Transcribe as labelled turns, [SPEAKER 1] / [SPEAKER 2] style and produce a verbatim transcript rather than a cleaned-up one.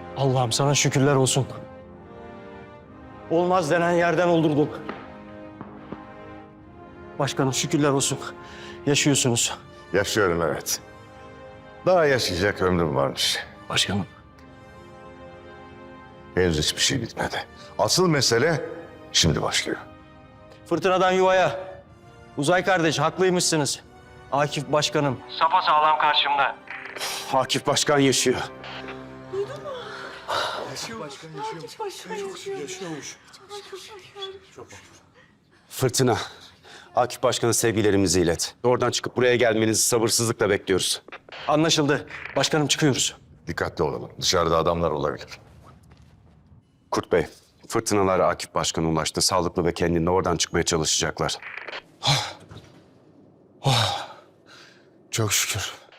[SPEAKER 1] Allah'ım sana şükürler olsun. Olmaz denen yerden oldurduk. Başkanım şükürler olsun. Yaşıyorsunuz.
[SPEAKER 2] Yaşıyorum evet. Daha yaşayacak ömrüm varmış.
[SPEAKER 1] Başkanım.
[SPEAKER 2] Henüz hiçbir şey bitmedi. Asıl mesele şimdi başlıyor.
[SPEAKER 1] Fırtınadan yuvaya. Uzay kardeş haklıymışsınız. Akif başkanım. Sapasağlam karşımda.
[SPEAKER 3] Akif Başkan yaşıyor. Fırtına, Akif Başkan'a sevgilerimizi ilet. Oradan çıkıp buraya gelmenizi sabırsızlıkla bekliyoruz.
[SPEAKER 1] Anlaşıldı. Başkanım çıkıyoruz.
[SPEAKER 2] Dikkatli olalım. Dışarıda adamlar olabilir.
[SPEAKER 3] Kurt Bey, fırtınalar Akif Başkan'a ulaştı. Sağlıklı ve kendinde oradan çıkmaya çalışacaklar.
[SPEAKER 4] Çok şükür.